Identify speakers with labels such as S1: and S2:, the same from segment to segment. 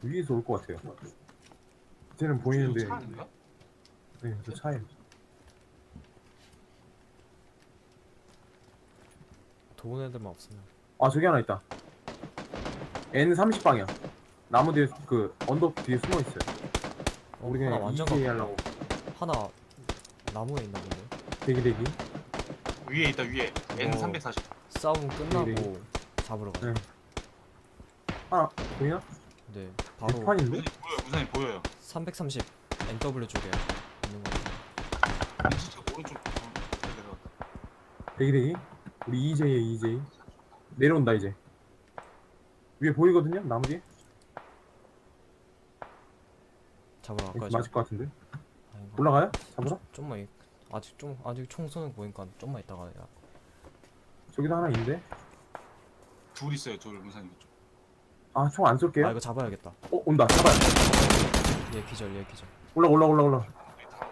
S1: 위에서 올 것 같아요. 쟤는 보이는데.
S2: 차 아닌가?
S1: 네, 저 차에.
S3: 도운 애들만 없으면.
S1: 아, 저기 하나 있다. N30 방향. 나무 뒤에 그 언덕 뒤에 숨어 있어요. 우리
S3: 하나
S1: 그냥
S3: 완전
S1: EJ
S3: 가깝다.
S1: 하려고.
S3: 하나 나무에 있나 본데.
S1: 대기.
S2: 위에 있다 위에. N340.
S3: 싸움 끝나고
S1: 네.
S3: 잡으러 가자.
S1: 네. 하나 보이나?
S3: 네. 바로
S1: 대판인데?
S2: 무산이 보여요.
S3: 330 NW 쪽에 있는 거 같아.
S2: 진짜 오른쪽 내려갔다.
S1: 대기. 우리 EJ에 EJ. 내려온다 이제. 위에 보이거든요? 나무 뒤에?
S3: 잡으러
S1: 여기
S3: 갈까요?
S1: 맞을 것 같은데?
S3: 아닌가?
S1: 올라가요? 잡으러?
S3: 좀만 아직 총 쏘는 거 보니까 좀만 있다가 야.
S1: 저기도 하나 있는데?
S2: 둘 있어요 둘 무산이 쪽.
S1: 아, 총 안 쏠게요.
S3: 아 이거 잡아야겠다.
S1: 온다. 잡아요.
S3: 얘 기절.
S1: 올라.
S2: 있다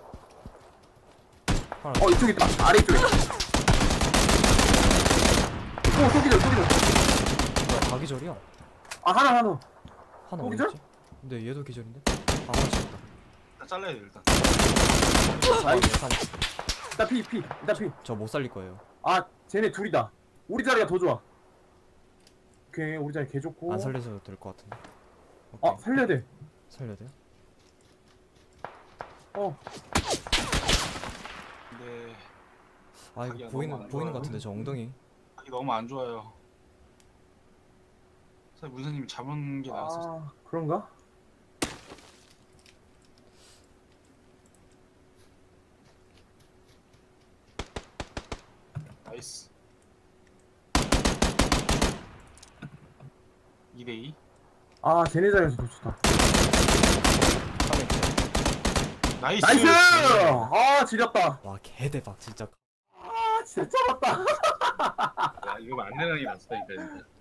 S2: 있다.
S3: 하나.
S1: 이쪽 있다. 아래 쪽에. 쏘기절.
S3: 뭐야 다 기절이야?
S1: 아, 하나.
S3: 하나
S1: 또
S3: 어디
S1: 기절?
S3: 있지? 근데 얘도 기절인데? 아 하나 잡았다.
S2: 일단 잘라야 돼 일단.
S1: 아이.
S3: 산.
S1: 일단 피.
S3: 저 못 살릴 거예요.
S1: 아, 쟤네 둘이다. 우리 자리가 더 좋아. 오케이, 우리 자리 개 좋고.
S3: 안 살려도 될 것 같은데. 오케이.
S1: 살려야 돼.
S3: 살려야 돼요?
S2: 근데
S3: 아 이거
S2: 자기가
S3: 보이는
S2: 너무 안
S3: 것
S2: 좋아요.
S3: 같은데 저 엉덩이.
S2: 하기 너무 안 좋아요. 사실 문사님이 잡은 게 나았어.
S1: 아, 그런가?
S2: 나이스. 2대2.
S1: 아, 쟤네 자리에서 더 좋다.
S3: 하나 기절.
S2: 나이스.
S1: 나이스! 아, 지렸다.
S3: 와 개대박 진짜.
S1: 아, 진짜 잡았다.
S2: 야, 이거 안 내는 게 낫다니까 진짜.